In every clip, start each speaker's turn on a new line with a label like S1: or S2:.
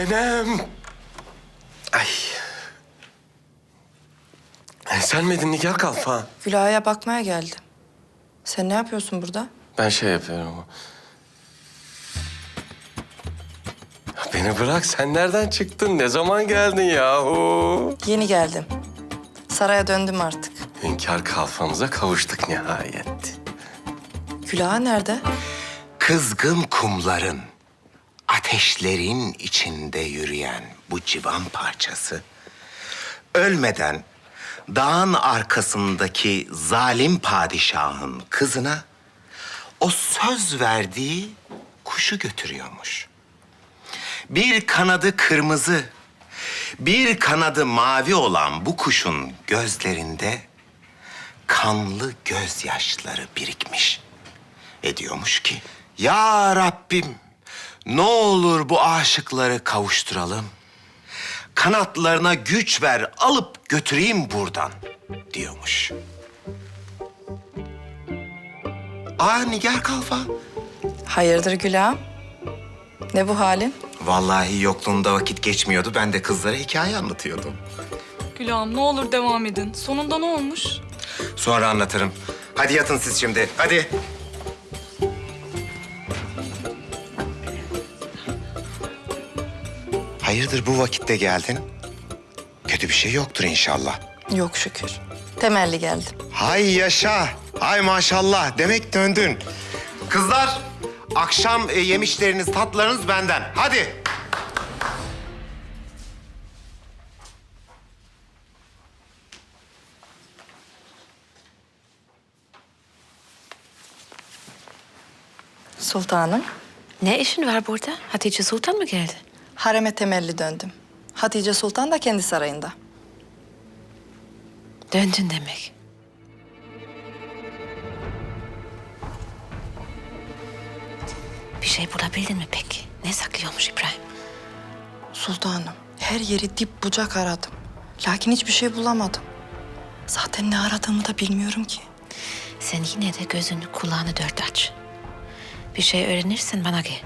S1: Nenem. Ay. Sen miydin Nigar Kalfa?
S2: Gülay'a bakmaya geldim. Sen ne yapıyorsun burada?
S1: Ben şey yapıyorum. Beni bırak, sen nereden çıktın? Ne zaman geldin yahu?
S2: Yeni geldim. Saraya döndüm artık.
S1: Hünkâr kalfamıza kavuştuk nihayet.
S2: Gülay'a nerede?
S3: Kızgın kumların, ateşlerin içinde yürüyen bu civan parçası... ölmeden dağın arkasındaki zalim padişahın kızına o söz verdiği kuşu götürüyormuş. Bir kanadı kırmızı, bir kanadı mavi olan bu kuşun gözlerinde kanlı gözyaşları birikmiş. Ediyormuş ki, ya Rabbim ne olur bu aşıkları kavuşturalım. Kanatlarına güç ver, alıp götüreyim buradan diyormuş. Nigar Kalfa.
S2: Hayırdır Gülay'ım? Ne bu halin?
S3: Vallahi yokluğunda vakit geçmiyordu. Ben de kızlara hikaye anlatıyordum.
S4: Gülağım ne olur devam edin. Sonunda ne olmuş?
S3: Sonra anlatırım. Hadi yatın siz şimdi. Hadi. Hayırdır bu vakitte geldin? Kötü bir şey yoktur inşallah.
S2: Yok şükür. Temelli geldim.
S3: Hay yaşa. Hay maşallah. Demek döndün. Kızlar, akşam yemişleriniz, tatlarınız benden. Hadi.
S2: Sultanım,
S5: Ne işin var burada? Hatice Sultan mı geldi?
S2: hareme temelli döndüm. Hatice Sultan da kendi sarayında.
S5: Döndün demek. Bir şey bulabildin mi peki? Ne saklıyormuş İbrahim?
S2: Sultanım, her yeri dip bucak aradım. Lakin hiçbir şey bulamadım. Zaten ne aradığımı da bilmiyorum ki.
S5: Sen yine de gözünü kulağını dört aç. Bir şey öğrenirsen bana gel.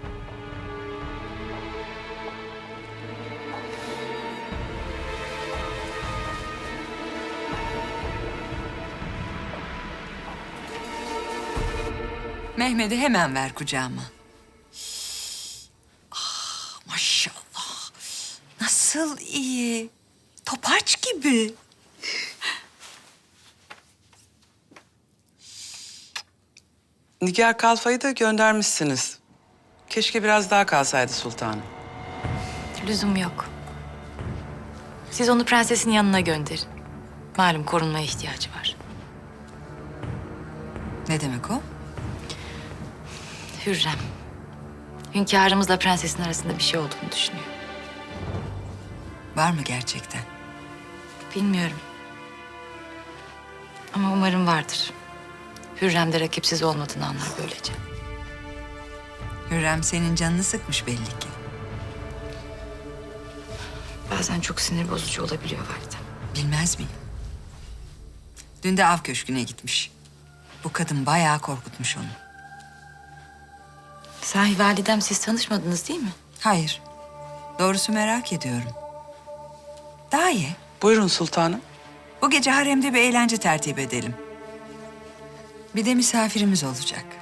S6: Mehmet'i hemen ver kucağıma. Maşallah. Nasıl iyi. Topaç gibi.
S7: Nigar Kalfa'yı da göndermişsiniz. Keşke biraz daha kalsaydı sultanım.
S5: Lüzum yok. Siz onu prensesin yanına gönderin. Malum korunmaya ihtiyacı var.
S6: Ne demek o?
S5: Hürrem. Hünkârımızla prensesin arasında bir şey olduğunu düşünüyor.
S6: Var mı gerçekten?
S5: Bilmiyorum. Ama umarım vardır. Hürrem de rakipsiz olmadığını anlar böylece.
S6: Hürrem senin canını sıkmış belli ki.
S5: Bazen çok sinir bozucu olabiliyor validem.
S6: Bilmez miyim? Dün de av köşküne gitmiş. Bu kadın bayağı korkutmuş onu.
S5: Sahi validem siz tanışmadınız değil mi?
S6: Hayır. Doğrusu merak ediyorum. Daha iyi.
S7: Buyurun sultanım.
S6: Bu gece haremde bir eğlence tertip edelim. Bir de misafirimiz olacak.